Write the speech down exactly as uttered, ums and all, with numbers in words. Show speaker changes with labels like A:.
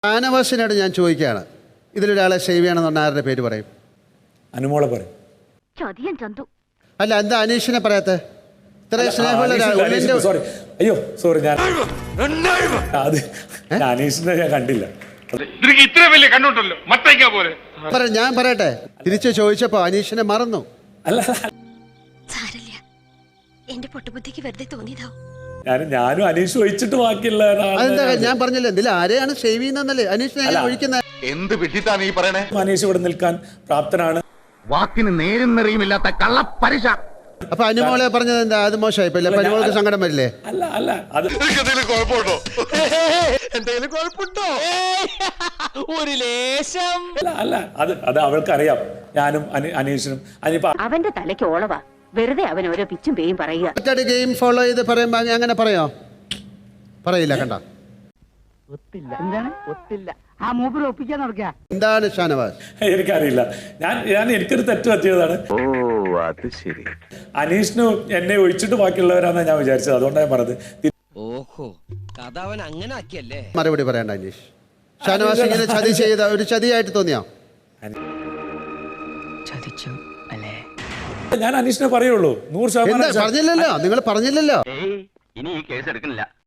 A: ഷാനവാസിനോട് ഞാൻ ചോദിക്കുകയാണ്, ഇതിലൊരാളെ സേവ് ചെയ്യണമെന്ന് പറഞ്ഞാൽ ആരുടെ പേര് പറയും?
B: അനുമോളെ പറയും.
A: അല്ല, എന്താ അനീഷിനെ പറയാത്ത? ഇത്രയും സ്നേഹമുള്ള ഒരാൾ.
B: സോറി, അയ്യോ സോറി, ഞാൻ അത് അനീഷിനെ ഞാൻ കണ്ടില്ല.
C: ഇത്ര വലിയ കണ്ണുണ്ടല്ലോ മത്തയ്ക്ക പോലെ.
A: ഞാൻ പറയട്ടെ, തിരിച്ചു ചോദിച്ചപ്പോ അനീഷിനെ മറന്നു.
B: അല്ല,
D: എന്റെ പൊട്ടുബുദ്ധിക്ക് വെറുതെ തോന്നിയതാവും.
B: ഞാൻ ഞാനും അനീഷ് ഒഴിച്ചിട്ട് ബാക്കിയുള്ള
A: അതെന്താ ഞാൻ പറഞ്ഞില്ല, എന്തിലും ആരെയാണ് സേവ് ചെയ്യുന്നല്ലേ? അനീഷിനെ ഒഴിക്കുന്നത്
C: എന്ത് വിട്ടിട്ടാണ് ഈ പറയണേ?
B: അനീഷ് ഇവിടെ നിൽക്കാൻ പ്രാപ്തനാണ്.
C: വാക്കിന് നേരും നെറിയുമില്ലാത്ത കള്ളപ്പരിശ.
A: അപ്പൊ അനുമോളെ പറഞ്ഞത് എന്താ? അത് മോശമായിപ്പോ അനുമോൾക്ക് സങ്കടം വരില്ലേ?
B: അല്ല അല്ല അത്
C: എന്തെങ്കിലും കുഴപ്പമുണ്ടോ? എന്തെങ്കിലും കുഴപ്പമുണ്ടോ? ഒരു ലേശം
B: അല്ല അല്ല അത് അത് അവൾക്കറിയാം. ഞാനും അനീഷിനും അനിപ്പ
E: അവന്റെ തലയ്ക്ക് ഓളവാ, വെറുതെ അവൻ ഓരോ പിച്ചും പേയും പറയുക.
A: മറ്റൊരു ഗെയിം ഫോളോ ചെയ്ത് പറയുമ്പോ അങ്ങനെ പറയോ? പറയില്ല. കണ്ട എന്താണ് ഷാനവാസ്?
B: എനിക്കറിയില്ല. ഞാൻ ഞാൻ എനിക്കൊരു തെറ്റ് പറ്റിയതാണ്. അനീഷിനും എന്നെ ഒഴിച്ചിട്ട് ബാക്കിയുള്ളവരാണെന്ന് ഞാൻ വിചാരിച്ചത്. അതുകൊണ്ടാണ് ഞാൻ പറഞ്ഞത്.
F: ഓഹോ, കഥ അവൻ അങ്ങനെ ആക്കിയല്ലേ.
A: മറുപടി പറയണ്ട അനീഷ്. ഷാനവാസ് ഇങ്ങനെ ചതി ചെയ്ത ഒരു ചതിയായിട്ട് തോന്നിയോ?
F: ചതിച്ചു അല്ലേ?
B: ഞാൻ അനീഷിനെ പറയുള്ളൂ. നൂറ് ശതമാനം
A: പറഞ്ഞില്ലല്ലോ, നിങ്ങൾ പറഞ്ഞില്ലല്ലോ.
G: ഇനി ഈ കേസ് എടുക്കുന്നില്ല.